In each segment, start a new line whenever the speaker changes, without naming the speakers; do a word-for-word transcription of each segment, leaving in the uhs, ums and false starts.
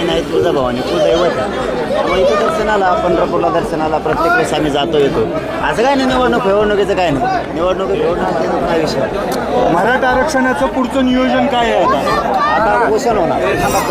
आहे तुळजाभवानी कुलदैवत आहे. त्यामुळे इथं दर्शनाला पंढरपूरला दर्शनाला प्रत्येक वेळेस आम्ही जातो येतो. असं काय नाही निवडणूक निवडणुकीचं काय नाही निवडणूक निवडणुकीचं काय विषय.
मराठा आरक्षणाचं पुढचं नियोजन काय आहे आता?
आता घोषण होणार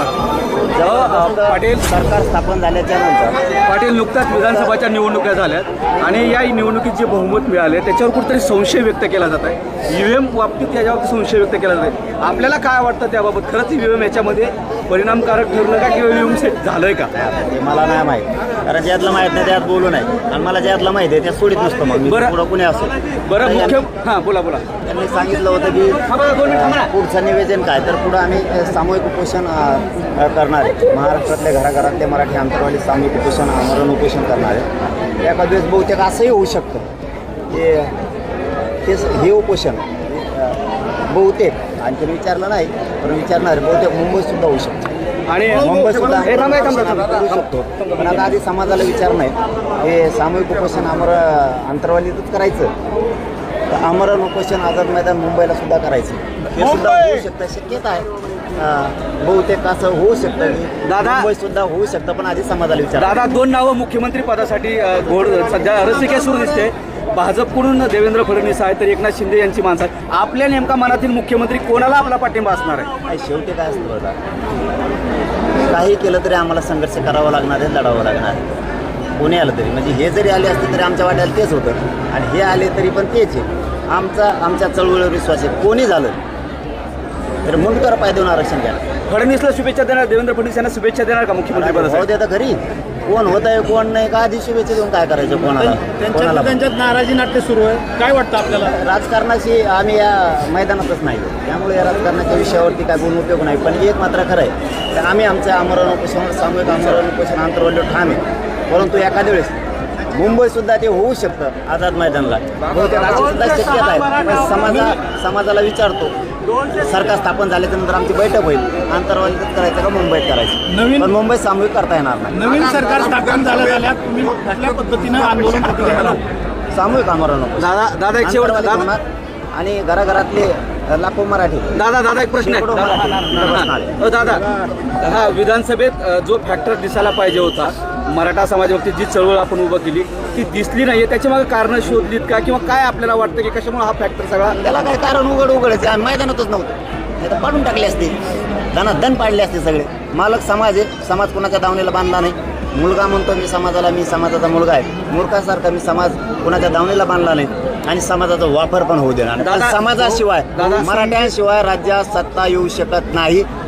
जेव्हा
पाटील
सरकार स्थापन झाल्याच्या नंतर.
पाटील नुकताच विधानसभाच्या निवडणुका झाल्यात आणि या निवडणुकीत जे बहुमत मिळाले त्याच्यावर कुठेतरी संशय व्यक्त केला जात आहे. ईव्हीएम बाबतीत याच्यावर संशय व्यक्त केला जात आहे. आपल्याला काय वाटतं त्याबाबत? खरंच ईव्हीएम याच्यामध्ये परिणामकारक ठरलं का किंवा ईव्हीएम सेट झालंय का?
ते मला नाही माहीत कारण ज्यातलं माहीत नाही त्यात बोलू नाही आणि मला ज्यातलं माहिती आहे त्यात सोडित नसतं. मग मी
बरं.
पुढं कुणी असो.
बरं मुख्य हां बोला बोला.
त्यांनी सांगितलं होतं की पुढचं निवेदन काय तर पुढं आम्ही सामूहिक उपोषण अ, करणार आहे. महाराष्ट्रातल्या घराघरातले मराठी आंतरवाली सामूहिक उपोषण आमरण उपोषण करणार आहे. एका दिवस बहुतेक असंही होऊ शकतं की तेच हे उपोषण अ, बहुतेक आणखीन विचारलं नाही पण विचारणार बहुतेक मुंबईतसुद्धा होऊ शकतं
आणि
मुंबईत सुद्धा
हे थांबा, थांबा, थांबा.
करू शकतो. पण आता आधी समाजाला विचार नाही हे सामूहिक उपोषण आमर अंतरवालीतच करायचं तर आमरण उपोषण आझाद मैदान मुंबईला सुद्धा करायचं हे सुद्धा होऊ शकतं. शक्यता आहे अं, बहुतेक असं होऊ शकतं की
दादा-
मुंबईत सुद्धा होऊ शकतं पण आधी समाजाला विचार.
दादा दोन नावं मुख्यमंत्री पदासाठी अ, घोड सध्या रसिके सुरू दिसते. भाजपकडून देवेंद्र फडणवीस आहे तर एकनाथ शिंदे यांची माणसं आहेत. आपल्या नेमका मनातील मुख्यमंत्री कोणाला आपला पाठिंबा असणार आहे?
काय शेवटी काय असतं बघा काही केलं तरी आम्हाला संघर्ष करावा लागणार आहे लढावं लागणार आहे. कोणी आलं तरी म्हणजे हे जरी आले असते तरी आमच्या वाट्याला तेच होतं आणि हे आले तरी पण तेच आहे. आमचा आमच्या चळवळीवर विश्वास आहे. कोणी झालं तर मुंडकर पाय देऊन आरक्षण घ्या.
फडणवीसला शुभेच्छा देणार देवेंद्र फडणवीस यांना शुभेच्छा देणार का मुख्यमंत्री
भाऊ
पदासाठी?
दे आता घरी कोण होत आहे कोण नाही का आधी शुभेच्छा देऊन काय करायचं कोणाला कोणाला
त्यांच्यात नाराजी नाट्य सुरू आहे. काय वाटतं आपल्याला?
राजकारणाशी आम्ही या मैदानातच नाही त्यामुळे या राजकारणाच्या विषयावरती काय बोलून उपयोग नाही. पण एक मात्र खरं आहे तर आम्ही आमच्या आमरण उपोषण सामूहिक आमरण उपोषण आंतरवल्य ठाम आहे. परंतु एखाद्या वेळेस मुंबईसुद्धा ते होऊ शकतं आझाद मैदानला बहुतेक अशी सुद्धा शक्यता आहे. पण समाजा समाजाला विचारतो सरकार स्थापन झाल्याच्यानंतर आमची बैठक होईल आंतरवालीतच करायचं का मुंबईत करायचं
नवीन-
पण मुंबईत सामूहिक करता येणार नाही.
नवीन सरकार स्थापन झालं झाल्या तुम्ही कुठल्या पद्धतीनं आंदोलन प्रतिक्रिया
सामूहिक आमरण उपोषण.
दादा दादा एक शेवट
आंतरवालीत
दादा
होणार आणि घराघरातले लाखो मराठी
दादा दादा एक प्रश्न आहे.
शेकडो
दादा
मराठी इथं बसणार आहे.
अ, दादा हा विधानसभेत अ, जो फॅक्टर दिसायला पाहिजे होता मराठा समाजावरती जी चळवळ आपण उभं केली ती दिसली नाहीये त्याची मागे कारणं शोधलीत का किंवा काय आपल्याला वाटतं की कशामुळे हा फॅक्टर सगळा?
त्याला काय कारण उघड उघडायचं आम्ही मैदानातच नव्हतं नाही तर पाडून टाकले असते दना दन पाडले असते सगळे. मालक समाज आहे समाज कुणाच्या दावणीला बांधला नाही. मुलगा म्हणतो मी समाजाला मी समाजाचा मुलगा आहे मूर्खासारखा मी समाज कुणाच्या दावणीला बांधला नाही आणि समाजाचा वापर पण होऊ देणार नाही.
दादा-
समाजाशिवाय
दादा-
मराठ्यांशिवाय राज्यात सत्ता येऊ शकत नाही.